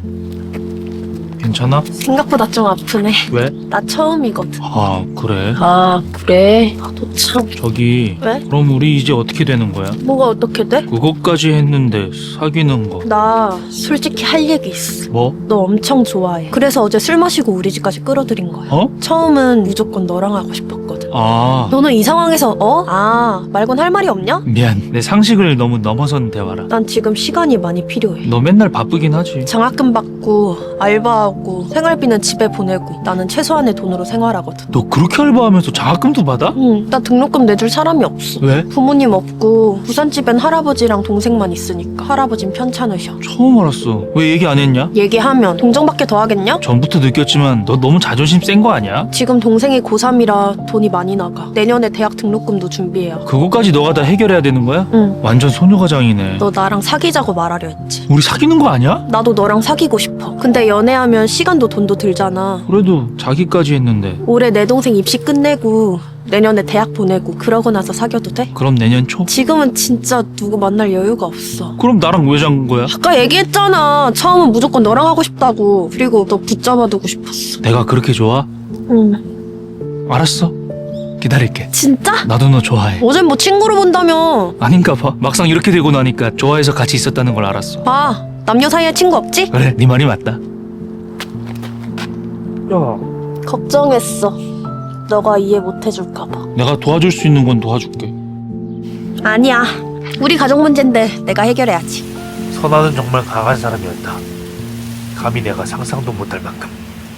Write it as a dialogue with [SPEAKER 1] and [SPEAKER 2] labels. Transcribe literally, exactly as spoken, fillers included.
[SPEAKER 1] 괜찮아?
[SPEAKER 2] 생각보다 좀 아프네.
[SPEAKER 1] 왜?
[SPEAKER 2] 나 처음이거든.
[SPEAKER 1] 아 그래?
[SPEAKER 2] 아 그래? 나도 참.
[SPEAKER 1] 저기
[SPEAKER 2] 왜?
[SPEAKER 1] 그럼 우리 이제 어떻게 되는 거야?
[SPEAKER 2] 뭐가 어떻게 돼?
[SPEAKER 1] 그것까지 했는데 사귀는 거
[SPEAKER 2] 나 솔직히 할 얘기 있어.
[SPEAKER 1] 뭐?
[SPEAKER 2] 너 엄청 좋아해. 그래서 어제 술 마시고 우리 집까지 끌어들인 거야.
[SPEAKER 1] 어?
[SPEAKER 2] 처음은 무조건 너랑 하고 싶었거든.
[SPEAKER 1] 아
[SPEAKER 2] 너는 이 상황에서 어? 아 말곤 할 말이 없냐?
[SPEAKER 1] 미안 내 상식을 너무 넘어선 대화라.
[SPEAKER 2] 난 지금 시간이 많이 필요해.
[SPEAKER 1] 너 맨날 바쁘긴 하지.
[SPEAKER 2] 장학금 받고 알바하고 생활비는 집에 보내고 나는 최소한의 돈으로 생활하거든.
[SPEAKER 1] 너 그렇게 알바하면서 장학금도 받아?
[SPEAKER 2] 응, 나 등록금 내줄 사람이 없어.
[SPEAKER 1] 왜?
[SPEAKER 2] 부모님 없고 부산집엔 할아버지랑 동생만 있으니까 할아버진 편찮으셔.
[SPEAKER 1] 처음 알았어. 왜 얘기 안 했냐?
[SPEAKER 2] 얘기하면 동정밖에 더 하겠냐?
[SPEAKER 1] 전부터 느꼈지만 너 너무 자존심 센 거 아니야?
[SPEAKER 2] 지금 동생이 고삼이라 돈이 많이 나가. 내년에 대학 등록금도 준비해야.
[SPEAKER 1] 그거까지 너가 다 해결해야 되는 거야?
[SPEAKER 2] 응,
[SPEAKER 1] 완전 소녀가장이네.
[SPEAKER 2] 너 나랑 사귀자고 말하려 했지.
[SPEAKER 1] 우리 사귀는 거 아니야?
[SPEAKER 2] 나도 너랑 사귀고 싶어. 근데 연애하면 시간도 돈도 들잖아.
[SPEAKER 1] 그래도 자기까지 했는데.
[SPEAKER 2] 올해 내 동생 입시 끝내고 내년에 대학 보내고 그러고 나서 사귀어도 돼?
[SPEAKER 1] 그럼 내년 초?
[SPEAKER 2] 지금은 진짜 누구 만날 여유가 없어.
[SPEAKER 1] 그럼 나랑 왜 잔 거야?
[SPEAKER 2] 아까 얘기했잖아. 처음은 무조건 너랑 하고 싶다고. 그리고 너 붙잡아두고 싶었어.
[SPEAKER 1] 내가 그렇게 좋아?
[SPEAKER 2] 응.
[SPEAKER 1] 알았어. 기다릴게.
[SPEAKER 2] 진짜?
[SPEAKER 1] 나도 너 좋아해.
[SPEAKER 2] 어젠 뭐 친구로 본다며.
[SPEAKER 1] 아닌가 봐. 막상 이렇게 되고 나니까 좋아해서 같이 있었다는 걸 알았어.
[SPEAKER 2] 봐. 남녀 사이에 친구 없지?
[SPEAKER 1] 그래, 네 말이 맞다. 야,
[SPEAKER 2] 걱정했어. 너가 이해 못 해줄까봐.
[SPEAKER 1] 내가 도와줄 수 있는 건 도와줄게.
[SPEAKER 2] 아니야. 우리 가족 문제인데 내가 해결해야지.
[SPEAKER 3] 선아는 정말 강한 사람이었다. 감히 내가 상상도 못할 만큼.